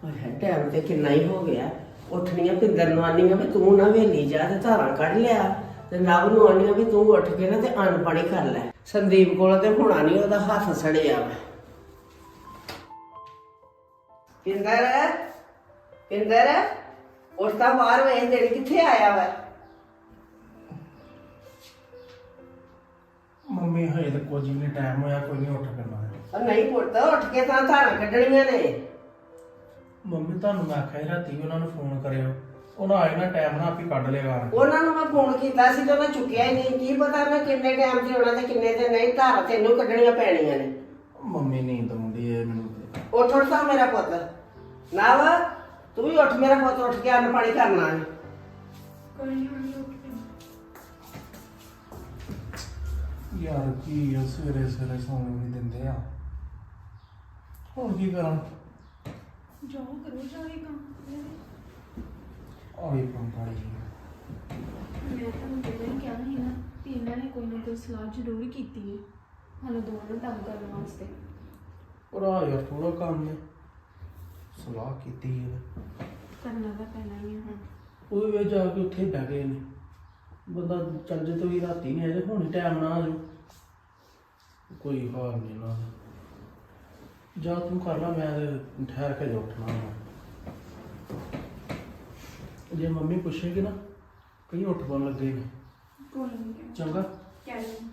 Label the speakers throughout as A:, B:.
A: Time ਤੇ ਕਿੰਨਾ ਹੀ ਹੋ ਗਿਆ। ਉੱਠਣੀਆਂ ਪਿੰਦਰ ਨੂੰ ਆਨੀਆਂ ਵੀ ਤੂੰ ਨਾ ਵੇਲੀ ਜਾ ਤੇ ਧਾਰਾਂ ਕੱਢ ਲਿਆ ਤੇ ਨਵ ਨੂੰ ਆਨੀਆਂ ਵੀ ਤੂੰ ਉੱਠ ਕੇ ਨਾ ਤੇ ਅੰਨ ਪਾਣੀ ਕਰ ਲੈ। ਸੰਦੀਪ ਕੋਲ ਤੇ ਹੋਣਾ ਨਹੀਂ, ਉਹਦਾ ਹੱਥ ਸੜਿਆ ਵਾ। ਪਿੰਦਰ ਪਿੰਦਰ ਉੱਠਦਾ ਬਾਹਰ ਵੇਖ ਦੇਣ ਕਿੱਥੇ ਆਇਆ ਵਾ।
B: ਮੰਮੀ ਹਜੇ ਤਾਂ ਕੁਝ ਵੀ ਨਹੀਂ ਟਾਈਮ ਹੋਇਆ, ਕੋਈ ਨਹੀਂ ਉੱਠ ਪੈਣਾ ਹੈ।
A: ਉਹ ਨਹੀਂ ਪੁੱਤ, ਉੱਠ ਕੇ ਤਾਂ ਧਾਰਾਂ ਕੱਢਣੀਆਂ ਨੇ।
B: ਮੰਮੀ ਤੁਹਾਨੂੰ ਮੈਂ ਆਖਿਆ ਸੀ ਰਾਤੀ ਵੀ ਉਹਨਾਂ ਨੂੰ ਫੋਨ ਕਰਿਓ, ਉਹਨਾਂ ਆਏ ਨਾ ਟਾਈਮ ਨਾਲ ਆਪੇ ਕੱਢ ਲੇਗਾ।
A: ਉਹਨਾਂ ਨੂੰ ਮੈਂ ਫੋਨ ਕੀਤਾ ਸੀ ਤੇ ਉਹਨਾਂ ਚੁੱਕਿਆ ਹੀ ਨਹੀਂ। ਕੀ ਪਤਾ ਮੈਂ ਕਿੰਨੇ ਟਾਈਮ ਤੇ ਆਉਣਾ ਤੇ ਕਿੰਨੇ ਤੇ ਨਹੀਂ। ਧਾਰਾਂ ਤੈਨੂੰ ਕੱਢਣੀਆਂ ਪੈਣੀਆਂ ਨੇ।
B: ਮੰਮੀ ਨੀਂਦ ਆਉਂਦੀ ਏ ਮੈਨੂੰ ਤੇ।
A: ਉੱਠ ਤਾਂ ਮੇਰਾ ਪੁੱਤ। ਨਾ ਵਾ ਤੂੰ ਵੀ ਉੱਠ ਮੇਰਾ ਪੁੱਤ, ਉੱਠ ਕੇ ਅੰਨ ਪਾਣੀ ਕਰਨਾ ਹੈ।
C: ਕੋਈ ਨਹੀਂ ਮੰਮੀ ਉੱਠ ਕੇ
B: ਯਾਰ ਕੀ ਆ, ਸਵੇਰੇ ਸਵੇਰੇ ਸੌਣ ਨਹੀਂ ਦਿੰਦੇ ਆ। ਹੁਣ ਕੀ ਕਰਾਂ?
C: ਜਾਓ ਕਰੋ ਜਾਵੇ ਕੰਮ।
B: ਆਹੀ ਕੰਮ ਕਰੀ।
C: ਮੈਂ ਤੁਹਾਨੂੰ ਪਹਿਲਾਂ ਹੀ ਕਿਹਾ ਸੀ ਨਾ ਕਿ ਇਹਨਾਂ ਨੇ ਕੋਈ ਨਾ ਕੋਈ ਸਲਾਹ ਜ਼ਰੂਰ ਕੀਤੀ ਹੈ ਸਾਨੂੰ ਦੋਵਾਂ ਨੂੰ ਤੰਗ ਕਰਨ ਵਾਸਤੇ।
B: ਪਰ ਆ ਯਾਰ ਥੋੜਾ ਕੰਮ ਨੇ, ਸਲਾਹ ਕੀਤੀ ਹੈ
C: ਕਰਨਾ ਤਾਂ ਪੈਣਾ ਹੀ ਹੈ ਹੁਣ।
B: ਉਹ ਵੀ ਜਾ ਕੇ ਉੱਥੇ ਬਹਿ ਗਏ ਨੇ। ਬੰਦਾ ਚੱਲ ਜੇ ਤਾਂ ਵੀ ਰਾਤੀ ਨਹੀਂ ਆਏ ਤੇ ਹੁਣ ਟਾਈਮ ਨਾ ਆ ਜਾਓ। ਕੋਈ ਹਾਲ ਨਹੀਂ ਨਾ। ਜਾ ਤੂੰ ਕਰ ਲਾ, ਮੈਂ ਤੇ ਠਹਿਰ ਕੇ ਉੱਠਣਾ ਵਾ। ਜੇ ਮੰਮੀ ਪੁੱਛੇਗੀ ਨਾ ਕहीं ਉੱਠ ਪਣ ਲੱਗੇ ਨੇ।
C: ਕੋਈ ਨਹੀਂ
B: ਚੰਗਾ
C: ਕਹਿ ਲਓ।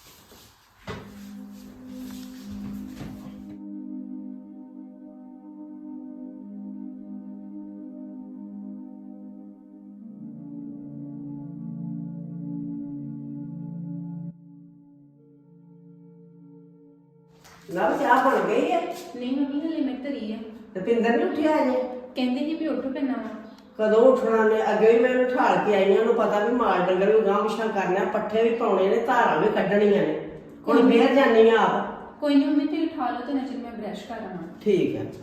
A: ਨਾ ਚਾਹ ਬਣ ਗਈ ਹੈ
C: ਨਹੀਂ ਮੰਮੀ ਹਲੇ ਮੈਂ ਧਰੀ ਆ।
A: ਤੇ ਪਿੰਦਰ ਨਹੀਂ ਉੱਠਿਆ ਅਜੇ।
C: ਕਹਿੰਦੇ ਸੀ ਵੀ ਉੱਠੋ ਪੈਣਾ ਵਾ।
A: ਕਦੋਂ ਉੱਠਣਾ ਨੇ? ਅੱਗੇ ਵੀ ਮੈਂ ਉਹਨੂੰ ਠਾਲ ਕੇ ਆਈ ਹਾਂ। ਉਹਨੂੰ ਪਤਾ ਵੀ ਮਾਲ ਡੰਗਰ ਵੀ ਗਾਂਹ ਪਿਛਾਂ ਕਰਨਾ, ਪੱਠੇ ਵੀ ਪਾਉਣੇ ਨੇ, ਧਾਰਾਂ ਵੀ ਕੱਢਣੀਆਂ ਨੇ। ਹੁਣ ਫੇਰ ਜਾਨੀ ਆ ਆਪ।
C: ਕੋਈ ਨਹੀਂ ਮੰਮੀ ਤੁਸੀਂ ਉਠਾ ਲਓ ਤੇ ਨਜ਼ਰ ਮੈਂ ਬ੍ਰਸ਼ ਕਰ ਆਵਾਂ।
A: ਠੀਕ ਹੈ।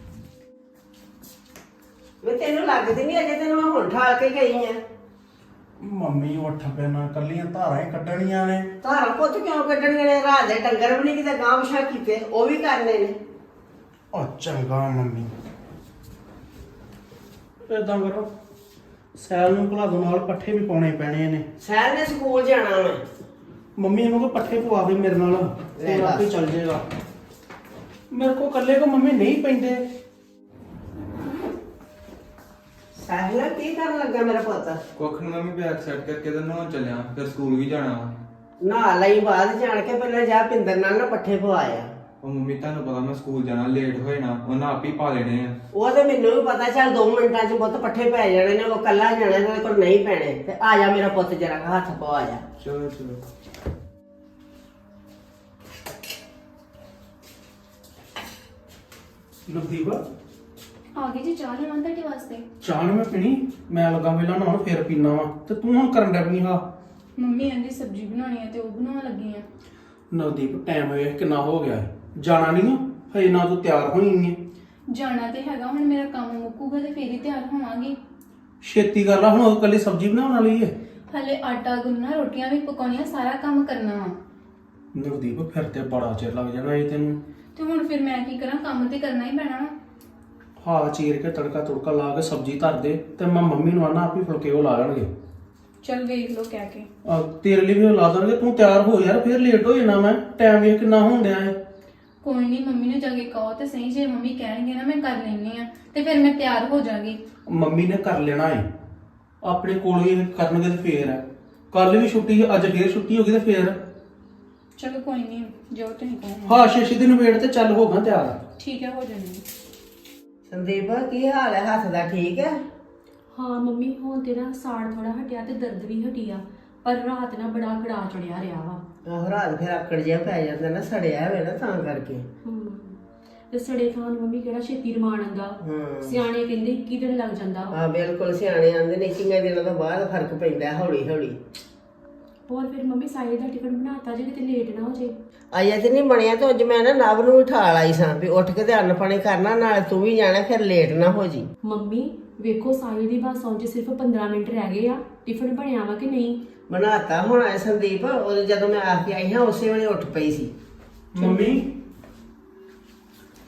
A: ਮੈਂ ਤੈਨੂੰ ਲੱਗਦੀ ਨਹੀਂ ਅਜੇ, ਤੈਨੂੰ ਮੈਂ ਹੁਣ ਠਾਲ ਕੇ ਗਈ ਆ।
B: ਮੰਮੀ ਉੱਠ ਪੈਣਾ, ਕੱਲੀਆਂ ਧਾਰਾਂ ਹੀ ਕੱਢਣੀਆਂ ਨੇ।
A: ਧਾਰਾਂ ਪੁੱਤ ਕਿਉਂ ਕੱਢਣੀਆਂ ਨੇ? ਰਾਤ ਦੇ ਡੰਗਰ ਵੀ ਨਹੀਂ ਕਿਤੇ ਗਾਂਹ ਪਿਛਾਂ ਕੀਤੇ, ਉਹ ਵੀ ਕਰਨੇ ਨੇ।
B: ਉਹ ਚੰਗਾ ਮੰਮੀ, ਏਦਾਂ ਕਰੋ ਸੈਲ ਨੂੰ ਭੁਲਾ ਦੋ, ਨਾਲ ਪੱਠੇ ਵੀ ਪਾਉਣੇ ਪੈਣੇ ਨੇ।
A: ਸਹਿਰ ਨੇ ਸਕੂਲ ਜਾਣਾ ਵਾ।
B: ਮੰਮੀ ਇਹਨੂੰ ਕੋ ਪੱਠੇ ਪਵਾ ਦੇ ਮੇਰੇ ਨਾਲ, ਤੇ
A: ਲੈ
B: ਆਪੇ ਚੱਲ ਜਾਏਗਾ। ਮੇਰੇ ਕੋ ਇਕੱਲੇ ਕੋ ਮੰਮੀ ਨਹੀਂ ਪੈਂਦੇ।
A: ਸਾਹਿਲਾ ਕੀ ਕਰਨ ਲੱਗਾ ਮੇਰਾ ਪੁੱਤ?
D: ਕੁੱਖ ਨੂੰ ਮੰਮੀ ਬੈਗ ਸੈੱਟ ਕਰਕੇ ਤੇ ਨਹਾਉਣ ਚੱਲਿਆ, ਫਿਰ ਸਕੂਲ ਵੀ ਜਾਣਾ ਵਾ।
A: ਨਹਾ ਲਈ ਬਾਅਦ ਜਾਣ ਕੇ ਪਹਿਲਾਂ ਜਾ ਪਿੰਦਰ ਨਾਲ ਨਾ ਪੱਠੇ ਪਵਾਇਆ।
D: ਉਹ ਮੰਮੀ ਤੁਹਾਨੂੰ ਪਤਾ ਮੈਂ ਸਕੂਲ ਜਾਣਾ, ਲੇਟ ਹੋਏ ਨਾ ਉਹਨਾਂ ਆਪ ਹੀ ਪਾ ਲੈਣੇ ਆ।
A: ਉਹ ਤੇ ਮੈਨੂੰ ਵੀ ਪਤਾ, ਚੱਲ 2 ਮਿੰਟਾਂ 'ਚ ਪੁੱਤ ਪੱਠੇ ਪੈ ਜਾਣੇ ਨੇ। ਉਹ ਕੱਲਾ ਜਾਣਾ, ਇਹਦੇ ਕੋਲ ਨਹੀਂ ਪੈਣੇ। ਤੇ ਆ ਜਾ ਮੇਰਾ ਪੁੱਤ, ਜਰਾ ਹੱਥ ਪਵਾ ਜਾ।
D: ਚਲੋ ਚਲੋ।
B: ਨਵਦੀਪ
C: ਆ ਗਈ ਜੀ ਚਾਹ ਲੈਣਾ ਤੁਹਾਡੇ ਵਾਸਤੇ।
B: ਚਾਹ ਨੀ ਮੈਂ ਪੀਣੀ, ਮੈਂ ਲੱਗਾ ਪਹਿਲਾਂ ਨਹਾਉਣ ਫੇਰ ਪੀਣਾ ਵਾ। ਤੇ ਤੂੰ ਹੁਣ ਕਰਨ ਡੈ ਪਈ ਹਾਂ।
C: ਮੰਮੀ ਕਹਿੰਦੀ ਸਬਜ਼ੀ ਬਣਾਉਣੀ ਹੈ ਤੇ ਉਹ ਬਣਾਉਣ ਲੱਗੀ ਆ।
B: ਨਵਦੀਪ ਟਾਈਮ ਵੇਖ ਕਿੰਨਾ ਹੋ ਗਿਆ ਹੈ, ਜਾਣਾ ਨਹੀਂ ਨਾ ਹਜੇ, ਨਾ ਤੂੰ ਤਿਆਰ ਹੋਈ ਨਹੀਂ ਹੈ।
C: ਜਾਣਾ ਤੇ ਹੈਗਾ, ਹੁਣ ਮੇਰਾ ਕੰਮ ਮੁੱਕੂਗਾ ਤੇ ਫੇਰ ਹੀ ਤਿਆਰ ਹੋਵਾਂਗੀ।
B: ਛੇਤੀ ਕਰ ਲਾ, ਹੁਣ ਉਹ ਇਕੱਲੀ ਸਬਜ਼ੀ ਬਣਾਉਣ ਵਾਲੀ ਹੈ।
C: ਹਲੇ ਆਟਾ ਗੁੰਨਣਾ, ਰੋਟੀਆਂ ਵੀ ਪਕਾਉਣੀਆਂ, ਸਾਰਾ ਕੰਮ ਕਰਨਾ ਵਾ।
B: ਨਵਦੀਪ ਫਿਰ ਤੇ ਬੜਾ ਚਿਰ ਲੱਗ ਜਾਣਾ ਇਹ ਤੈਨੂੰ।
C: ਤੇ ਹੁਣ ਫਿਰ ਮੈਂ ਕੀ ਕਰਾਂ, ਕੰਮ ਤੇ ਕਰਨਾ ਹੀ ਪੈਣਾ ਵਾ।
B: ਹਾਂ ਚੀਰ ਕੇ ਤੜਕਾ ਤੁੜਕਾ ਲਾ ਕੇ ਸਬਜ਼ੀ ਧਰ ਦੇ, ਤੇ ਮੈਂ ਮੰਮੀ ਨੂੰ ਆਣਾ ਆਪੀ ਫੁਲਕੇ ਉਹ ਲਾ ਲੈਣਗੇ।
C: ਚਲ ਵੇਖ ਲਓ ਕਹਿ ਕੇ।
B: ਤੇਰੇ ਲਈ ਵੀ ਉਹ ਲਾ ਦੇਣਗੇ। ਤੂੰ ਤਿਆਰ ਹੋ ਯਾਰ, ਫਿਰ ਲੇਟ ਹੋ ਜਾਣਾ ਮੈਂ। ਟਾਈਮ ਵੇਖ ਕਿੰਨਾ ਹੋਣ ਡਿਆ ਹੈ।
C: ਕੋਈ ਨਹੀਂ, ਮੰਮੀ ਨੂੰ ਜਾ ਕੇ ਕਹੋ ਤੇ ਸਹੀ, ਜੇ ਮੰਮੀ ਕਹਿਣਗੇ ਨਾ ਮੈਂ ਕਰ ਲੈਣੀ ਆ ਤੇ ਫਿਰ ਮੈਂ ਤਿਆਰ ਹੋ ਜਾਗੀ।
B: ਮੰਮੀ ਨੇ ਕਰ ਲੈਣਾ ਏ, ਆਪਣੇ ਕੋਲ ਹੀ ਕਰਨਗੇ ਤੇ ਫੇਰ ਹੈ। ਕੱਲ ਵੀ ਛੁੱਟੀ ਹੈ, ਅੱਜ ਫੇਰ ਛੁੱਟੀ ਹੋ ਗਈ ਤੇ ਫੇਰ।
C: ਚਲੋ ਕੋਈ ਨਹੀਂ, ਜੋ ਤੁਸੀਂ ਕਹੋ।
B: ਹਾਂ ਛੇ ਦਿਨ ਵੇਟ ਤੇ ਚੱਲ ਹੋਗਾ ਤਿਆਰ।
C: ਠੀਕ ਹੈ, ਹੋ ਜਾਣੀ।
A: ਸੰਦੀਪ ਕੀ ਹਾਲ ਹੈ? ਹੱਥ ਦਾ ਠੀਕ ਹੈ?
E: ਹਾਂ ਮੰਮੀ, ਹੁਣ ਤੇ ਨਾ ਸਾੜ ਥੋੜਾ ਹਟਿਆ ਤੇ ਦਰਦ ਵੀ ਹਟੀ ਆ, ਪਰ ਰਾਤ ਨਾ ਬੜਾ ਕੜਾ ਚੜਿਆ ਰਿਹਾ ਵਾ।
A: ਆਹੋ ਰਾਤ ਫਿਰ ਆਕੜ ਜਿਹਾ ਪੈ ਜਾਂਦਾ ਨਾ, ਸੜਿਆ ਹੋਵੇ ਨਾ ਤਾਂ ਕਰਕੇ।
E: ਤੇ ਸੜੇ ਥਾਂ ਨੂੰ ਮੰਮੀ ਕਿਹੜਾ ਛੇਤੀ ਰਮਾਨ ਆਂਦਾ। ਸਿਆਣੇ ਕਹਿੰਦੇ 21 ਦਿਨ ਲੱਗ ਜਾਂਦਾ ਵਾ।
A: ਹਾਂ ਬਿਲਕੁਲ, ਸਿਆਣੇ ਆਂਦੇ ਨੇ 21 ਦਿਨਾਂ ਤੋਂ ਬਾਅਦ ਫਰਕ ਪੈਂਦਾ ਹੌਲੀ ਹੌਲੀ।
E: ਹੋਰ ਫਿਰ ਮੰਮੀ ਸਾਹਿਲ ਦਾ ਟਿਫਨ ਬਣਾਤਾ ਜੇ ਕਿਤੇ ਲੇਟ ਨਾ ਹੋ ਜੇ।
A: ਅਜੇ ਤੇ ਨਹੀਂ ਬਣਿਆ, ਤੇ ਅੱਜ ਮੈਂ ਨਾ ਨਵ ਨੂੰ ਉਠਾ ਲਾਈ ਸਾਂ ਵੀ ਉੱਠ ਕੇ ਤੇ ਅੰਨ ਪਾਣੀ ਕਰਨਾ, ਨਾਲ ਤੂੰ ਵੀ ਜਾਣਾ, ਫਿਰ ਲੇਟ ਨਾ ਹੋ ਜੀ।
E: ਮੰਮੀ ਵੇਖੋ ਸਾਹਿਲ ਦੀ ਬੱਸ ਆਉਣ 'ਚ ਸਿਰਫ 15 ਮਿੰਟ ਰਹਿ ਗਏ ਆ। ਟਿਫਨ ਬਣਿਆ ਵਾ ਕਿ ਨਹੀਂ?
A: ਬਣਾਤਾ ਹੋਣਾ ਹੈ ਸੰਦੀਪ। ਉਹ ਜਦੋਂ ਮੈਂ ਆ ਕੇ ਆਈ ਹਾਂ ਉਸੇ ਵੇਲੇ ਉੱਠ ਪਈ ਸੀ।
B: ਮੰਮੀ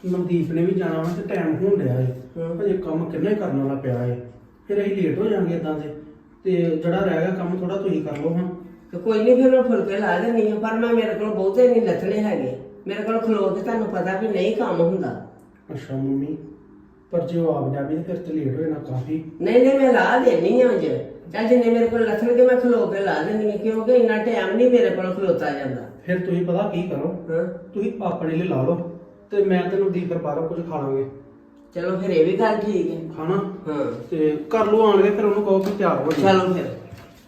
B: ਨਵਦੀਪ ਨੇ ਵੀ ਜਾਣਾ ਵਾ ਤੇ ਟਾਈਮ ਹੋਣ ਡਿਆ ਏ ਹਜੇ ਕੰਮ ਕਿੰਨਾ ਹੀ ਕਰਨ ਵਾਲਾ ਪਿਆ ਏ। ਫਿਰ ਅਸੀਂ ਲੇਟ ਹੋ ਜਾਾਂਗੇ ਇਦਾਂ ਤੇ ਜਿਹੜਾ ਰਹਿ ਗਿਆ ਕੰਮ ਥੋੜਾ ਤੁਸੀਂ ਕਰ ਲਓ ਹੁਣ।
A: ਤੇ ਕੋਈ ਨਹੀਂ ਫਿਰ ਮੈਂ ਫੁਲਕੇ ਲਾ ਦਿੰਦੀ ਹਾਂ, ਪਰ ਮੈਂ ਮੇਰੇ ਕੋਲ ਬਹੁਤੇ ਨਹੀਂ ਲੱਥਣੇ ਹੈਗੇ। ਮੇਰੇ ਕੋਲ ਖਲੋ ਕੇ ਤੁਹਾਨੂੰ ਪਤਾ ਵੀ ਨਹੀਂ ਕੰਮ ਹੁੰਦਾ।
B: ਅੱਛਾ ਮੰਮੀ, ਪਰ ਜੇ ਉਹ ਆਪ ਜਾਵੇ ਤੇ ਫਿਰ ਤੇ ਲੇਟ ਹੋ ਜਾਣਾ ਕਾਫੀ।
A: ਨਹੀਂ ਮੈਂ ਲਾ ਦੇਣੀ ਹਾਂ ਅੱਜ। ਚੱਲ ਜਿੰਨੇ ਮੇਰੇ ਕੋਲ ਲੱਥਣਗੇ ਮੈਂ ਖਲੋ ਕੇ ਲਾ ਦਿੰਦੀ ਹਾਂ, ਕਿਉਂਕਿ ਇੰਨਾ ਟਾਈਮ ਨਹੀਂ ਮੇਰੇ ਕੋਲ ਖਲੋਤਾ ਜਾਂਦਾ।
B: ਫਿਰ ਤੁਸੀਂ ਪਤਾ ਕੀ ਕਰੋ,
A: ਹਾਂ
B: ਤੁਸੀਂ ਆਪਣੇ ਲਈ ਲਾ ਲਓ ਤੇ ਮੈਂ ਤੇ ਨਵਦੀਪ ਫਿਰ ਬਾਹਰੋਂ ਕੁਝ ਖਾ ਲਾਂਗੇ।
A: ਚਲੋ ਫਿਰ ਇਹ ਵੀ ਗੱਲ ਠੀਕ ਹੈ।
B: ਖਾਣਾ
A: ਹਾਂ
B: ਤੇ ਕਰ ਲਓ ਆਣ ਕੇ, ਫਿਰ ਉਹਨੂੰ ਕਹੋ ਕਿ ਤਿਆਰ ਹੋ ਜਾਏ।
A: ਚਲੋ ਫਿਰ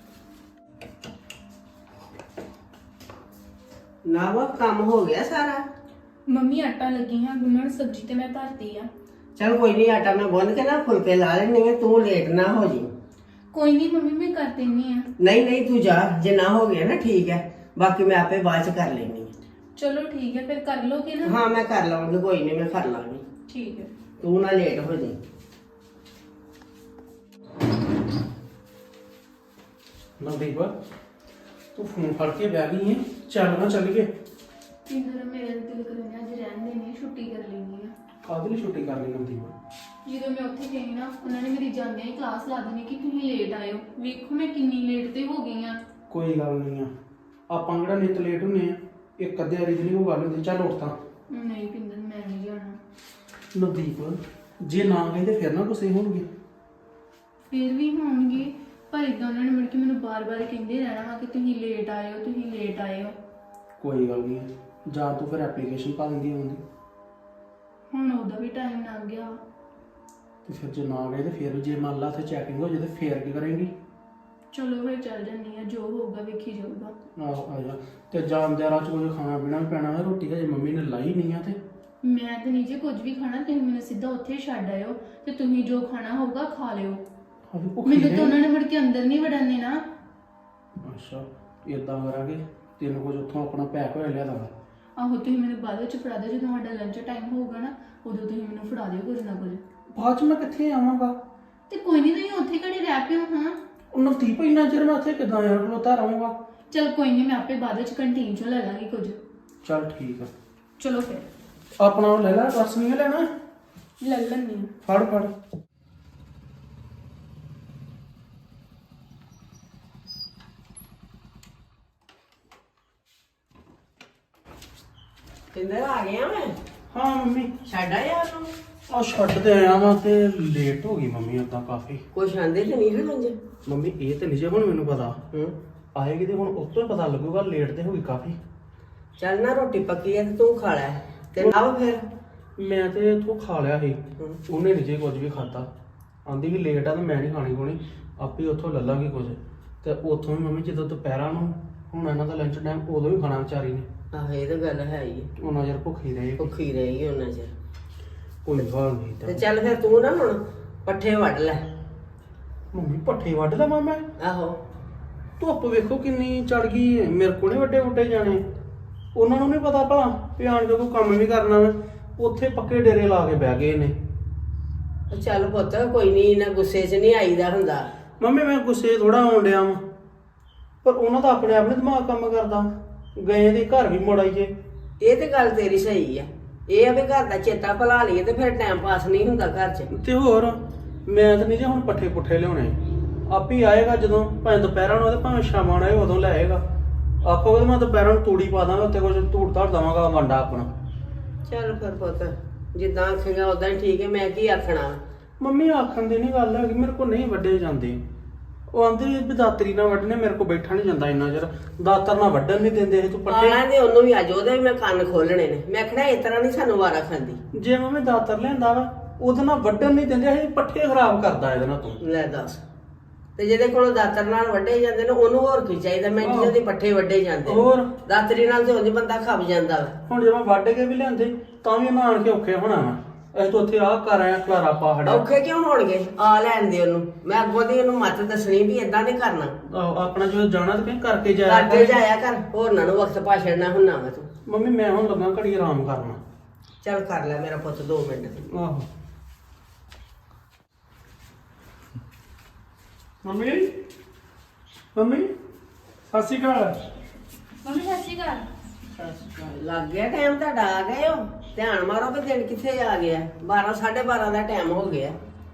A: ਨਾ ਵਾ ਕੰਮ ਹੋ ਗਿਆ ਸਾਰਾ।
C: ਮੰਮੀ ਆਟਾ ਲੱਗੀ ਹਾਂ ਗੁੰਨਣ, ਸਬਜ਼ੀ ਤੇ ਮੈਂ ਧਰਤੀ ਆ।
A: ਚਲ ਕੋਈ ਨਹੀਂ, ਆਟਾ ਮੈਂ ਗੁੰਨ ਕੇ ਨਾ ਫੁਲਕੇ ਲਾ ਲੈਣੀ ਆ, ਤੂੰ ਲੇਟ ਨਾ ਹੋ ਜੀ।
C: ਕੋਈ ਨਹੀਂ ਮੰਮੀ, ਮੈਂ ਕਰ ਦਿੰਨੀ ਆ।
A: ਨਹੀਂ ਤੂੰ ਜਾ, ਜੇ ਨਾ ਹੋ ਗਿਆ ਨਾ ਠੀਕ ਹੈ, ਬਾਕੀ ਮੈਂ ਆਪੇ ਬਾਅਦ ਚ ਕਰ ਲੈਣੀ।
C: ਚਲੋ ਠੀਕ ਹੈ, ਫਿਰ ਕਰ ਲੋਗੇ ਨਾ?
A: ਹਾਂ ਮੈਂ ਕਰ ਲਵਾਂਗੀ, ਕੋਈ ਨਹੀਂ ਮੈਂ ਕਰ ਲਾਂਗੀ।
C: ਠੀਕ ਹੈ।
A: ਤੂੰ ਨਾ ਲੇਟ ਹੋ ਜੀ।
B: ਨਵਦੀਪ ਤੂੰ ਫੋਨ ਫੜ ਕੇ ਬਹਿ ਗਈ ਹੈ, ਚੱਲ ਨਾ ਚੱਲੀਏ।
C: ਇੰਦਰ ਮੇਰਾ ਦਿਲ ਕਰਦਾ ਅੱਜ ਰਹਿਣ ਦੇਣੀ, ਛੁੱਟੀ ਕਰ ਲੈਣੀ ਆ।
B: ਕਾਹਦੇ ਲਈ ਛੁੱਟੀ ਕਰ ਲਈ ਨਵਦੀਪ?
C: ਜਦੋਂ ਮੈਂ ਉੱਥੇ ਗਈ ਨਾ, ਉਹਨਾਂ ਨੇ ਮੇਰੀ ਜਾਂਦਿਆਂ ਹੀ ਕਲਾਸ ਲਾ ਦੇਣੀ ਕਿ ਤੁਸੀਂ ਲੇਟ ਆਇਓ। ਵੇਖੋ ਮੈਂ ਕਿੰਨੀ ਲੇਟ ਤੇ ਹੋ ਗਈ ਆ।
B: ਕੋਈ ਗੱਲ ਨਹੀਂ ਆ, ਆਪਾਂ ਕਿਹੜਾ ਨਿਤ ਲੇਟ ਹੁੰਨੇ ਆ, ਇੱਕ ਅੱਧੇ ਵਾਰੀ ਦੀ ਨਹੀਂ ਕੋਈ ਗੱਲ ਹੁੰਦੀ। ਚੱਲ ਉੱਠ ਤਾਂ।
C: ਨਹੀਂ ਪਿੰਦਰ, ਮੈਂ ਨਹੀਂ ਜਾਣਾ।
B: ਨਵਦੀਪ ਜੇ ਨਾ ਗਏ ਤੇ ਫਿਰ ਨਾ ਗੁੱਸੇ ਹੋਣਗੇ।
C: ਫਿਰ ਵੀ ਹੋਣਗੇ, ਪਰ ਇਦਾਂ ਉਹਨਾਂ ਨੇ ਮੁੜ ਕੇ ਮੈਨੂੰ ਬਾਰ-ਬਾਰ ਕਹਿੰਦੇ ਰਹਿਣਾ ਵਾ ਕਿ ਤੁਸੀਂ ਲੇਟ ਆਇਓ, ਤੁਸੀਂ ਲੇਟ ਆਇਓ।
B: ਕੋਈ ਗੱਲ ਨਹੀਂ, ਜਾਂ ਤੂੰ ਫਿਰ ਐਪਲੀਕੇਸ਼ਨ ਪਾ ਦਿੰਦੀ ਹੁੰਦੀ।
C: ਹੁਣ ਉਹਦਾ ਵੀ ਟਾਈਮ ਲੰਘ ਗਿਆ।
B: ਤੇ ਫਿਰ ਜੇ ਨਾ ਗਏ ਤੇ ਫਿਰ ਜੇ ਮੰਨ ਲਾ ਉੱਥੇ ਚੈਕਿੰਗ ਹੋ ਜਾਏ ਤੇ ਫਿਰ ਕੀ ਕਰੇਂਗੀ?
C: ਚਲੋ ਫਿਰ ਚੱਲ ਜੰਨੀ ਆ, ਜੋ ਹੋਊਗਾ ਵੇਖੀ ਜਾਊਗਾ।
B: ਆਹੋ ਆ ਜਾ। ਤੇ ਜਾਂਦਿਆਂ ਰਾਹ ਚ ਕੁਝ ਖਾਣਾ ਪੀਣਾ ਵੀ ਪੈਣਾ ਹੈ, ਰੋਟੀ ਹਜੇ ਮੰਮੀ ਨੇ ਲਾਈ ਨਹੀਂ ਆ। ਤੇ
C: ਮੈਂ ਤੇ ਨਹੀਂ ਜੇ ਕੁਝ ਵੀ ਖਾਣਾ, ਤੁਸੀਂ ਮੈਨੂੰ ਸਿੱਧਾ ਉੱਥੇ ਛੱਡ ਆਇਓ ਤੇ ਤੁਸੀਂ ਜੋ ਖਾਣਾ ਹੋਊਗਾ ਖਾ ਲਿਓ।
B: ਅਭੀ ਭੁੱਖੀ
C: ਮੈਨੂੰ
B: ਨੇ।
C: ਤਾਂ ਉਹਨਾਂ ਨੇ ਮੁੜ ਕੇ ਅੰਦਰ ਨਹੀਂ ਵੜਨ ਦੇਣਾ।
B: ਅੱਛਾ ਇਦਾਂ ਕਰਾਂਗੇ, ਤੈਨੂੰ ਕੁਝ ਉੱਥੋਂ ਆਪਣਾ ਪੈਕ ਹੋਇਆ ਲਿਆ ਦਾਂਗਾ।
C: ਆਹੋ ਤੁਸੀਂ ਮੈਨੂੰ ਬਾਅਦ ਵਿੱਚ ਫੜਾ ਦਿਓ, ਜਦੋਂ ਸਾਡਾ ਲੰਚ ਟਾਈਮ ਹੋਊਗਾ ਨਾ, ਉਦੋਂ ਤੁਸੀਂ ਮੈਨੂੰ ਫੜਾ ਦਿਓ ਕੁਝ ਨਾ ਕੁਝ।
B: ਬਾਅਦ ਚ ਮੈਂ ਕਿੱਥੇ ਆਵਾਂਗਾ?
C: ਤੇ ਕੋਈ ਨਹੀਂ, ਤੁਸੀਂ ਉੱਥੇ ਘੜੀ ਰਹਿ ਪਿਓ। ਹਾਂ
B: ਉਹ ਨਵਦੀਪ ਇੰਨਾ ਚਿਰ ਮੈਂ ਉੱਥੇ ਕਿੱਦਾਂ ਯਾਰ ਖਲੋਤਾ ਰਹਾਂਗਾ?
C: ਚਲ ਕੋਈ ਨਹੀਂ, ਮੈਂ ਆਪੇ ਬਾਅਦ ਵਿੱਚ ਕੰਟੀਨ ਚੋਂ ਲੈ ਲਾਂਗੀ ਕੁਝ।
B: ਚੱਲ ਠੀਕ ਆ।
C: ਚਲੋ ਫਿਰ
B: ਆਪਣਾ ਉਹ ਲੈ ਲੈ, ਪਰਸ ਨਹੀਂ ਲੈਣਾ?
C: ਲੈ ਲੈਂਦੀ ਹਾਂ।
B: ਫੜ ਫੜ।
A: ਕਿੰਦਰ ਆ ਗਿਆ ਮੈਂ?
B: ਹਾਂ ਮੰਮੀ,
A: ਛੱਡ ਆਇਆ ਉਹਨੂੰ?
B: ਆ ਛੱਡ ਤੇ ਆਇਆ ਵਾਂ ਤੇ ਲੇਟ ਹੋ ਗਈ ਮੰਮੀ ਉਦਾਂ ਕਾਫੀ।
A: ਕੁਛ ਆਂਦੇ ਤੇ ਨਹੀਂ ਹਨ ਅੰਜ?
B: ਮੰਮੀ ਇਹ ਤੇ ਨਹੀਂ ਜੇ ਹੁਣ ਮੈਨੂੰ ਪਤਾ,
A: ਹੂੰ
B: ਆਏਗੀ ਤੇ ਹੁਣ ਉਸ ਤੋਂ ਹੀ ਪਤਾ ਲੱਗੂਗਾ। ਲੇਟ ਤੇ ਹੋ ਗਈ ਕਾਫੀ।
A: ਚੱਲ ਨਾ, ਰੋਟੀ ਪੱਕੀ ਹੈ ਤੇ ਤੂੰ ਖਾ ਲੈ ਤੇ ਨਾ ਫਿਰ।
B: ਮੈਂ ਤੇ ਇੱਥੋਂ ਖਾ ਲਿਆ ਸੀ,
A: ਹੂੰ।
B: ਉਹਨੇ ਨਹੀਂ ਜੇ ਕੁਝ ਵੀ ਖਾਦਾ। ਆਂਦੀ ਕਿ ਲੇਟ ਆ ਤੇ ਮੈਂ ਨਹੀਂ ਖਾਣੀ ਖੋਣੀ, ਆਪੇ ਉੱਥੋਂ ਲੈ ਲਾਂਗੀ ਕੁਝ। ਤੇ ਉੱਥੋਂ ਵੀ ਮੰਮੀ ਜਦੋਂ ਦੁਪਹਿਰਾਂ ਨੂੰ ਹੁਣ ਇਹਨਾਂ ਦਾ ਲੰਚ ਟਾਈਮ, ਉਦੋਂ ਵੀ ਖਾਣਾ ਵਿਚਾਰੀ ਨੇ।
A: ਆਹੋ ਇਹ ਤਾਂ ਗੱਲ ਹੈ ਹੀ ਹੈ।
B: ਉਹਨਾਂ ਚਿਰ ਭੁੱਖੀ ਰਹੇਗੀ।
A: ਭੁੱਖੀ ਰਹੇਗੀ ਉਹਨਾਂ ਚਿਰ।
B: ਕੋਈ ਗੱਲ ਨਹੀਂ
A: ਤੇ
B: ਤਾਂ।
A: ਚੱਲ ਫਿਰ ਤੂੰ ਨਾ ਹੁਣ ਪੱਠੇ ਵੱਢ ਲੈ।
B: ਮੰਮੀ ਪੱਠੇ ਵੱਢ ਲਵਾਂ ਮੈਂ?
A: ਆਹੋ
B: ਧੁੱਪ ਵੇਖੋ ਕਿੰਨੀ ਚੜ ਗਈ, ਮੇਰੇ ਕੋਲ ਨੀ ਵੱਡੇ ਵੱਡੇ ਜਾਣੇ। ਉਹਨਾਂ ਨੂੰ ਨਹੀਂ ਪਤਾ ਭਲਾ ਵੀ ਆਣ ਕੇ ਕੋਈ ਕੰਮ ਵੀ ਕਰਨਾ ਵਾ। ਉੱਥੇ ਪੱਕੇ ਡੇਰੇ ਲਾ ਕੇ ਬਹਿ ਗਏ ਨੇ।
A: ਚੱਲ ਪੁੱਤ, ਕੋਈ ਨਹੀਂ, ਇਹਨਾਂ ਗੁੱਸੇ 'ਚ ਨਹੀਂ ਆਈਦਾ ਹੁੰਦਾ।
B: ਮੰਮੀ ਮੈਂ ਗੁੱਸੇ ਥੋੜਾ ਆਉਣ ਡਿਆ ਵਾਂ, ਪਰ ਉਹਨਾਂ ਦਾ ਆਪਣੇ ਆਪ ਨੀ ਦਿਮਾਗ ਕੰਮ ਕਰਦਾ। ਗਏ ਦੇ ਘਰ ਵੀ ਮੁੜ ਆਈਏ।
A: ਇਹ ਤੇ ਗੱਲ ਤੇਰੀ ਸਹੀ ਆ। ਇਹ ਆ ਵੀ ਘਰ ਦਾ ਚੇਤਾ ਭੁਲਾ ਲਈਏ ਤੇ ਫਿਰ ਟਾਈਮ ਪਾਸ ਨਹੀਂ ਹੁੰਦਾ ਘਰ 'ਚ।
B: ਤੇ ਹੋਰ ਮੈਂ ਤਾਂ ਨਹੀਂ ਜੇ ਹੁਣ ਪੱਠੇ ਪੁੱਠੇ ਲਿਆਉਣੇ। ਆਪ ਹੀ ਆਏਗਾ ਜਦੋਂ, ਭਾਵੇਂ ਦੁਪਹਿਰਾਂ ਨੂੰ ਤੇ ਭਾਵੇਂ ਸ਼ਾਮਾਂ ਨੂੰ ਆਏ, ਉਦੋਂ ਲੈ ਆਏਗਾ। ਆਖੋਗੇ ਮੈਂ ਦੁਪਹਿਰਾਂ ਨੂੰ ਤੂੜੀ ਪਾ ਦਾਂਗਾ, ਉੱਤੇ ਕੁਝ ਧੂੜ ਧਾੜ ਦੇਵਾਂਗਾ ਵੰਡਾ ਆਪਣਾ।
A: ਚੱਲ ਫਿਰ ਪੁੱਤ, ਜਿੱਦਾਂ ਆਖੇਗਾ ਉਦਾਂ ਹੀ ਠੀਕ ਹੈ, ਮੈਂ ਕੀ ਆਖਣਾ।
B: ਮੰਮੀ ਆਖਣ ਦੀ ਨਹੀਂ ਗੱਲ ਹੈਗੀ, ਮੇਰੇ ਕੋਲ ਨਹੀਂ ਵੱਢੇ ਜਾਂਦੇ। ਉਹ ਆਂਦੇ ਵੀ ਦਾਤਰੀ ਨਾਲ ਵੱਢਣੇ, ਮੇਰੇ ਕੋਲ ਬੈਠਾ ਨਹੀਂ ਜਾਂਦਾ ਇੰਨਾ ਚਿਰ। ਦਾਤਰ ਨਾਲ ਵੱਢਣ ਨਹੀਂ ਦਿੰਦੇ ਇਹ ਤੂੰ ਪੱਠੇ।
A: ਆਲਾਂ ਦੇ ਉਹਨੂੰ ਵੀ ਅੱਜ ਉਹਦੇ ਵੀ ਮੈਂ ਕੰਨ ਖੋਲਣੇ ਨੇ। ਮੈਂ ਆਖਣਾ ਇਸ ਤਰ੍ਹਾਂ ਨਹੀਂ ਸਾਨੂੰ ਵਾਰਾ ਖਾਂਦੀ।
B: ਜੇ ਮੰਮੀ ਦਾਤਰ ਲਿਆਂਦਾ ਵਾ, ਉਹਦੇ ਨਾਲ ਵੱਢਣ ਨਹੀਂ ਦਿੰਦੇ, ਇਹ ਪੱਠੇ ਖਰਾਬ ਕਰਦਾ ਇਹਦੇ ਨਾਲ ਤੂੰ।
A: ਲੈ ਦੱਸ, ਤੇ ਜਿਹਦੇ ਕੋਲੋਂ ਦਾਤਰ ਨਾਲ ਵੱਢੇ ਜਾਂਦੇ ਨੇ ਉਹਨੂੰ ਹੋਰ ਕੀ ਚਾਹੀਦਾ? ਮੈਂ ਜਿਹਦੇ ਪੱਠੇ ਵੱਢੇ ਜਾਂਦੇ ਨੇ।
B: ਹੋਰ
A: ਦਾਤਰੀ ਨਾਲ ਤੇ ਉਂਝ ਬੰਦਾ ਖੱਪ ਜਾਂਦਾ ਵਾ।
B: ਹੁਣ ਜੇ ਮੈਂ ਵੱਢ ਕੇ ਵੀ ਲਿਆਂਦੇ ਤਾਂ ਵੀ ਉਹਨਾਂ ਆਣ ਕੇ ਔਖੇ ਹੋਣਾ ਵਾ। ਅਸੀਂ ਤਾਂ ਉੱਥੇ ਆਹ ਕਰ ਆਇਆ ਖਲਾਰਾ ਪਾ ਹੜਿਆ।
A: ਔਖੇ ਕਿਉਂ ਹੋਣਗੇ? ਆ ਲੈਣ ਦੇ ਉਹਨੂੰ। ਮੈਂ ਅੱਗੋਂ ਦੀ ਉਹਨੂੰ ਮੱਤ ਦੱਸਣੀ ਵੀ ਏਦਾਂ ਨਹੀਂ ਕਰਨਾ।
B: ਆਪਣਾ ਜਦੋਂ ਜਾਣਾ ਤੇ ਕਹੀਂ ਕਰਕੇ ਜਾਇਆ
A: ਕਰਦੇ ਜਾਇਆ ਕਰ, ਹੋਰਨਾਂ ਨੂੰ ਵਕਤ ਭਾਸ਼ਣ ਨਾ ਹੁੰਨਾ ਵਾ ਤੂੰ।
B: ਮੰਮੀ ਮੈਂ ਹੁਣ ਲੱਗਾ ਘੜੀ ਆਰਾਮ ਕਰਨਾ।
A: ਚੱਲ ਕਰ ਲੈ ਮੇਰਾ ਪੁੱਤ 2 ਮਿੰਟ।
B: ਆਹੋ ਮੰਮੀ, ਮੰਮੀ ਸਤਿ ਸ਼੍ਰੀ ਅਕਾਲ।
E: ਮੰਮੀ ਸਤਿ ਸ਼੍ਰੀ ਅਕਾਲ।
A: ਲੱਗ ਗਿਆ ਟਾਈਮ ਤੁਹਾਡਾ ਆ ਗਏ ਹੋ ਧਿਆਨ ਮਾਰੋ ਵੀ ਦਿਨ ਕਿੱਥੇ ਆ ਗਿਆ 12 12:30 ਦਾ ਟਾਈਮ ਹੋ ਗਿਆ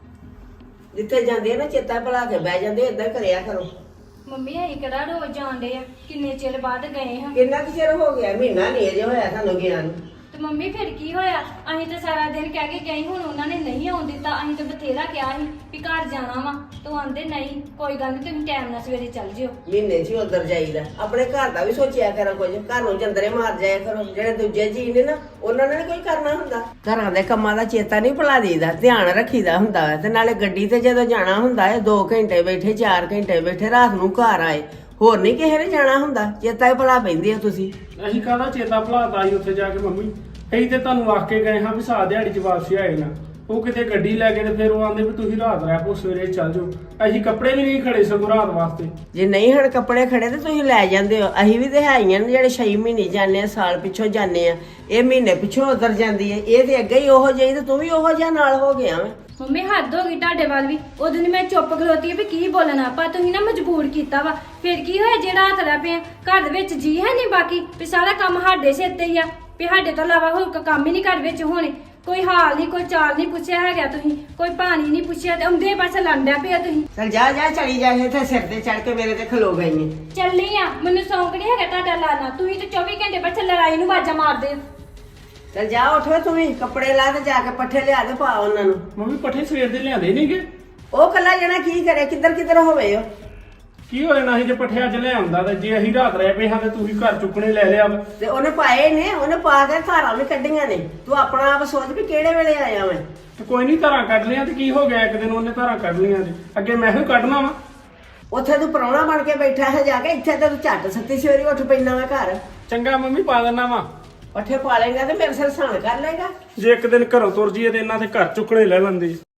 A: ਜਿੱਥੇ ਜਾਂਦੇ ਆ ਨਾ ਚੇਤਾ ਭੁਲਾ ਕੇ ਬਹਿ ਜਾਂਦੇ ਏਦਾਂ ਕਰਿਆ ਕਰੋ
F: ਮੰਮੀ ਅਸੀਂ ਕਿਹੜਾ ਰੋਜ਼ ਜਾਂਦੇ ਆ ਕਿੰਨੇ ਚਿਰ ਬਾਅਦ ਗਏ ਹਾਂ
A: ਕਿੰਨਾ ਕੁ ਚਿਰ ਹੋ ਗਿਆ ਮਹੀਨਾ ਨਹੀਂ ਅਜੇ ਹੋਇਆ ਸਾਨੂੰ ਗਿਆ ਨੂੰ
F: ਤੇ ਮੰਮੀ ਫਿਰ ਕੀ ਹੋਇਆ ਅਸੀਂ ਤਾਂ ਸਾਰਾ ਦਿਨ ਕਹਿ ਕੇ ਗਏ ਹੁਣ ਉਹਨਾਂ ਨੇ ਨਹੀਂ ਆਉਣ ਦਿੱਤਾ ਅਸੀਂ ਤਾਂ ਬਥੇਰਾ ਕਿਹਾ ਸੀ ਵੀ ਘਰ ਜਾਣਾ ਵਾ ਤੂੰ ਆਂਦੇ ਨਹੀਂ ਕੋਈ ਗੱਲ ਨਹੀਂ ਤੁਸੀਂ ਟਾਈਮ ਨਾਲ ਸਵੇਰੇ ਚੱਲ ਜਿਓ
A: ਮਹੀਨੇ 'ਚ ਹੀ ਉਧਰ ਜਾਈਦਾ ਆਪਣੇ ਘਰ ਦਾ ਵੀ ਸੋਚਿਆ ਕਰੋ ਕੁਝ ਘਰ ਨੂੰ ਜੰਦਰੇ ਮਾਰ ਜਾਇਆ ਕਰੋ ਜਿਹੜੇ ਦੂਜੇ ਜੀ ਨੇ ਨਾ ਉਹਨਾਂ ਨੇ ਨੀ ਕੋਈ ਕਰਨਾ ਹੁੰਦਾ ਘਰਾਂ ਦੇ ਕੰਮਾਂ ਦਾ ਚੇਤਾ ਨਹੀਂ ਭੁਲਾ ਦੇਈਦਾ ਧਿਆਨ ਰੱਖੀਦਾ ਹੁੰਦਾ ਹੈ ਤੇ ਨਾਲੇ ਗੱਡੀ ਤੇ ਜਦੋਂ ਜਾਣਾ ਹੁੰਦਾ ਹੈ 2 ਘੰਟੇ ਬੈਠੇ 4 ਘੰਟੇ ਬੈਠੇ ਰਾਤ ਨੂੰ ਘਰ ਆਏ ਹੋਰ ਨਹੀਂ ਕਿਸੇ ਨੇ ਜਾਣਾ ਹੁੰਦਾ ਚੇਤਾ ਹੀ ਭੁਲਾ ਪੈਂਦੀ ਆ ਤੁਸੀਂ
B: ਅਸੀਂ ਕਾਹਦਾ ਚੇਤਾ ਭੁਲਾਤਾ ਸੀ ਉੱਥੇ ਜਾ ਕੇ ਮੰਮੀ ਅਸੀਂ ਤੇ ਤੁਹਾਨੂੰ ਆਖ ਕੇ ਗਏ ਹਾਂ ਵੀ ਸਾਹ ਦਿਹਾੜੀ ਚ ਵਾਪਸ ਆਏ ਨਾ ਉਹ ਕਿਤੇ ਗੱਡੀ ਲੈ ਕੇ ਤੇ ਫਿਰ ਉਹ ਆਂਦੇ ਵੀ ਤੁਸੀਂ ਰਾਤ ਰਹਿ ਪੋ ਸਵੇਰੇ ਚੱਲ ਜਾਓ ਅਸੀਂ ਕੱਪੜੇ ਵੀ ਨਹੀਂ ਖੜੇ ਸਗੋਂ ਰਾਤ ਵਾਸਤੇ
A: ਜੇ ਨਹੀਂ ਹਣ ਕੱਪੜੇ ਖੜੇ ਤੇ ਤੁਸੀਂ ਲੈ ਜਾਂਦੇ ਹੋ ਅਸੀਂ ਵੀ ਤੇ ਹੈਗੀਆਂ ਨੇ ਜਿਹੜੇ 6 ਮਹੀਨੇ ਜਾਂਦੇ ਆ ਸਾਲ ਪਿੱਛੋਂ ਜਾਂਦੇ ਆ ਇਹ ਮਹੀਨੇ ਪਿੱਛੋਂ ਉਧਰ ਜਾਂਦੀ ਹੈ ਇਹ ਤੇ ਅੱਗੇ ਹੀ ਉਹੋ ਜਿਹੀ ਤੇ ਤੂੰ ਵੀ ਉਹੋ ਜਿਹਾ ਨਾਲ ਹੋ ਗਿਆ ਵਾ
F: ਮੰਮੀ ਹੱਦ ਹੋ ਗਈ ਤੁਹਾਡੇ ਵੱਲ ਵੀ ਉਦੋਂ ਦੀ ਮੈਂ ਚੁੱਪ ਖਲੋਤੀ ਵੀ ਕੀ ਬੋਲਣਾ ਪਰ ਤੁਸੀਂ ਨਾ ਮਜਬੂਰ ਕੀਤਾ ਵਾ ਫਿਰ ਕੀ ਹੋਇਆ ਜੇ ਰਾਤ ਰਹਿ ਪਏ ਘਰ ਦੇ ਵਿੱਚ ਜੀ ਹੈ ਨਹੀਂ ਬਾਕੀ ਵੀ ਸਾਰਾ ਕੰਮ ਸਾਡੇ ਸਿਰ ਤੇ ਹੀ ਆ ਵੀ ਸਾਡੇ ਤੋਂ ਇਲਾਵਾ ਹੋਰ ਕੋਈ ਕੰਮ ਹੀ ਨਹੀਂ ਘਰ ਵਿੱਚ ਹੋਣੇ ਕੋਈ ਹਾਲ ਨਹੀਂ ਕੋਈ ਚਾਲ ਨਹੀਂ ਪੁੱਛਿਆ ਹੈਗਾ ਤੁਸੀਂ ਕੋਈ ਪਾਣੀ ਨਹੀਂ ਪੁੱਛਿਆ ਤੇ ਆਉਂਦੇ ਪਾਸੇ ਲੰਡਿਆ ਪਿਆ ਤੁਸੀਂ
A: ਚਲ ਜਾ ਜਾ ਚਲੀ ਜਾ ਇੱਥੇ ਸਿਰ ਤੇ ਚੜ ਕੇ ਮੇਰੇ ਤੇ ਖਲੋ ਗਈ ਨੇ
F: ਚੱਲੀ ਆ ਮੈਨੂੰ ਸੌਂਕ ਨਹੀਂ ਹੈਗਾ ਤੁਹਾਡਾ ਲਾਣਾ ਤੁਸੀਂ ਤੇ 24 ਘੰਟੇ ਬੱਚੇ ਲੜਾਈ ਨੂੰ ਆਵਾਜ਼ਾਂ ਮਾਰਦੇ ਹੋ
A: ਚਲ ਜਾ ਉੱਠੋ ਤੁਸੀਂ ਕੱਪੜੇ ਲਾ ਤੇ ਜਾ ਕੇ ਪੱਠੇ ਲਿਆ ਦੇ ਪਾ ਉਹਨਾਂ ਨੂੰ
B: ਮੰਮੀ ਪੱਠੇ ਸਵੇਰ ਦੇ ਲਿਆਂਦੇ ਨਹੀਂਗੇ
A: ਉਹ ਕੱਲਾ ਜਣਾ ਕੀ ਕਰੇ ਕਿੱਧਰ ਹੋਵੇ ਉਹ
B: ਕੀ ਹੋ ਜਾਣਾ ਸੀ ਜੇ ਪੱਠੇ ਅੱਜ ਲੈ ਆਉਂਦਾ ਤੇ ਜੇ ਅਸੀਂ ਰਾਤ ਰਹਿ ਪਏ ਹਾਂ ਤੇ ਤੁਸੀਂ ਘਰ ਚੁੱਕਣੇ ਲੈ ਲਿਆ ਵਾ।
A: ਤੇ ਉਹਨੇ ਪਾਏ ਨੇ ਉਹਨੇ ਪਾ ਕੇ ਧਾਰਾਂ ਵੀ ਕੱਢੀਆਂ ਨੇ ਤੂੰ ਆਪਣਾ ਆਪ ਸੋਚ ਵੀ ਕਿਹੜੇ ਵੇਲੇ ਆਇਆ ਮੈਂ
B: ਤੇ ਕੋਈ ਨਹੀਂ ਧਾਰਾਂ ਕੱਢ ਲਿਆ ਤੇ ਕੀ ਹੋ ਗਿਆ ਇੱਕ ਦਿਨ ਉਹਨੇ ਧਾਰਾਂ ਕੱਢ ਲਈਆਂ ਤੇ ਅੱਗੇ ਮੈਂ ਹੀ ਕੱਢਣਾ ਵਾ
A: ਉੱਥੇ ਤੂੰ ਪ੍ਰਾਹੁਣਾ ਬਣ ਕੇ ਬੈਠਾ ਹੈ ਜਾ ਕੇ ਇੱਥੇ ਤੇ ਤੂੰ ਝੱਟ ਸੱਤੀ ਸਵੇਰੀ ਉੱਠ ਪੈਣਾ ਵਾ ਘਰ
B: ਚੰਗਾ ਮੰਮੀ ਪਾ ਦੇਣਾ ਵਾ
A: ਪੱਠੇ ਪਾ ਲੇਗਾ ਤੇ ਮੇਰੇ ਸਿਰ ਸਾਨ ਕਰ ਲੇਗਾ
B: ਜੇ ਇੱਕ ਦਿਨ ਘਰੋਂ ਤੁਰ ਜੀਏ ਤੇ ਇਹਨਾਂ ਦੇ ਘਰ ਚੁੱਕਣੇ ਲੈ ਲੈਂਦੇ